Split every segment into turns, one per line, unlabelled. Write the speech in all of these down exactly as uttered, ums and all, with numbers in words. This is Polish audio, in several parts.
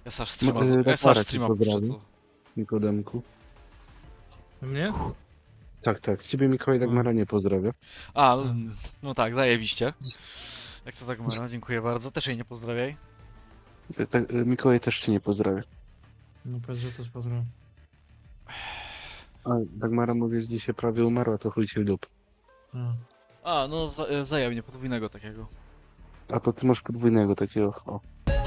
Ja sam streama,
No,
ja
tak
sam
Marek
streama
pozdrawiam.
puszczę to.
Nikodemku.
Mnie?
Tak, tak. Z ciebie Mikołaj Dagmara nie pozdrawia.
A, no, no tak, zajebiście. Jak to tak Mara, dziękuję bardzo. Też jej nie pozdrawiaj.
Tak, Mikołaj też cię nie pozdrawia.
No powiedz, że też pozdrawiam.
A Dagmara mówisz, że dzisiaj prawie umarła, to chuj cię w dup.
A.
A, no wza- e, wzajemnie, podwójnego takiego.
A to ty masz podwójnego takiego. O.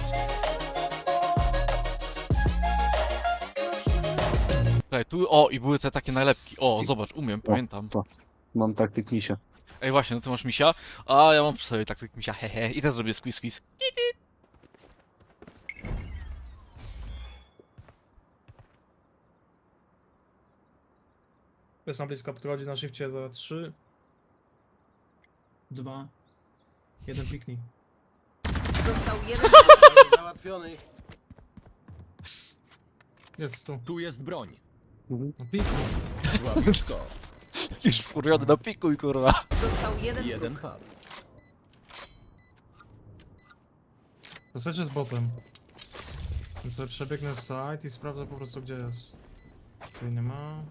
Tutaj, tu, o, i były te takie nalepki. O, zobacz, umiem, pamiętam.
Mam taktyk misia.
Ej, właśnie, no ty masz misia, a ja mam przy sobie taktyk misia, hehe. I też zrobię squeeze squeeze.
Jest na blisko, podchodzi na szybcie za trzy, dwa, jeden piknik.
Został jeden.
Załatwiony.
Jest tu.
Tu jest broń.
Mhm.
No piknik.
Słabiutko.
Jakiś wkurwiony na pikuj, kurwa.
Został jeden.
Jeden
wróg.
hard.
Posłuchajcie z botem. Więc sobie przebiegnę z site i sprawdzę po prostu gdzie jest. Tutaj nie ma.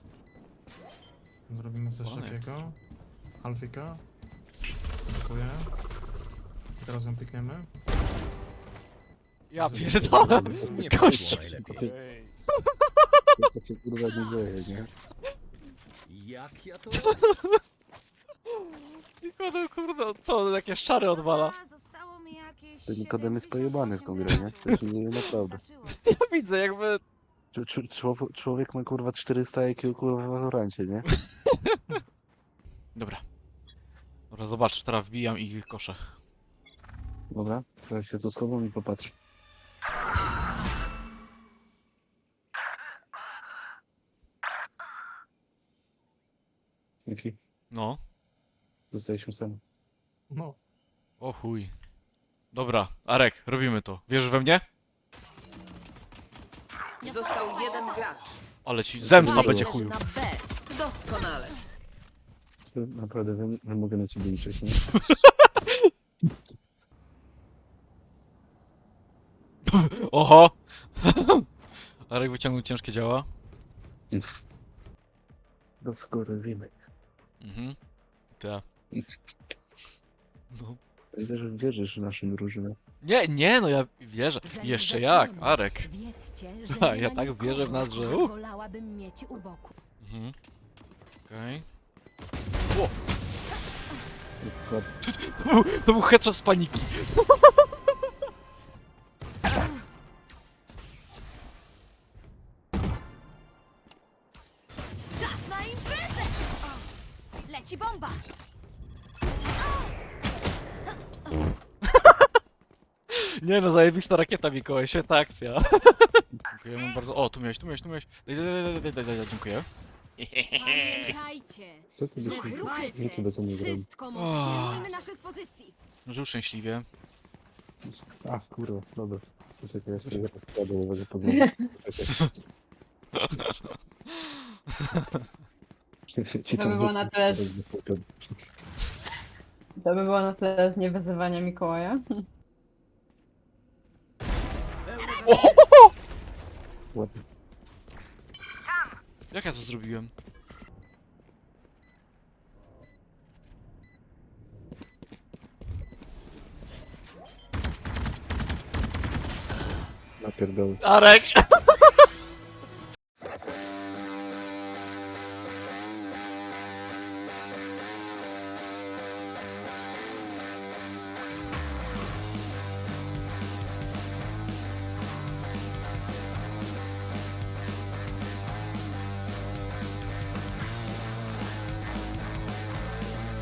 Zrobimy coś
Ładnie.
takiego. Alfika. Dziękuję. I teraz ją pikniemy.
Ja pierdolę.
Nie
Gość.
poszło najlepiej.
To cię kurwa nie dzieje, nie?
Jak ja to...
Nikodem, kurde, co, jakieś czary odwala.
Zostało mi jakieś
To Nikodem jest pojebany w tą grę, nie? To się nie naprawdę.
Ja widzę, jakby...
Czu- czu- człowiek- Człowiek ma kurwa czterysta I Q kurwa w Valorancie, nie?
Dobra. Dobra, zobacz, teraz wbijam ich kosze.
Dobra, teraz się tu schowam i popatrz. Jaki?
No.
Zostaliśmy sami.
No.
O chuj. Dobra, Arek, robimy to. Wierzysz we mnie?
Został jeden gracz.
Ale ci zemsta
Dobra.
będzie
Leży
chuju.
na B. Doskonale.
Naprawdę, nie, nie mogę na ciebie liczyć, nie?
Oho! Arek wyciągnął ciężkie działa.
Doskonale.
Mhm. Tak. No.
Widzę, że wierzysz w naszą drużynę.
Nie, nie, no ja wierzę. Jeszcze jak, Arek.
Wiedzcie,
Ha,
że
ja
nie ma
tak
nikogo,
wierzę w nas, że
kogo
uff.
wolałabym mieć u boku.
Mhm. Okej.
Kurwa,
To był, to był headshot z paniki.
Czas na imprezę! O, leci bomba!
Nie no, zajebista rakieta, Mikołaj, świetna akcja. Dziękujemy bardzo. O, tu miałeś, tu miałeś, tu miałeś. Daj, daj, daj, daj, daj, daj, daj, dziękuję.
Pamiętajcie!
Co ty byś mi
Ruchycy!
Nikt chyba co nie grał.
Wszystko może pilnujmy naszych pozycji!
Żył szczęśliwie.
A, kurwa, dobra. Poczekaj, ja sobie teraz wkładę uwagę poznania. Ci
To
tam
by było na
wokół
tyle-
teraz zapłopią.
To by było na tyle z niewyzywania Mikołaja.
Ładnie.
Jak ja to zrobiłem?
Napierdolę.
Arek!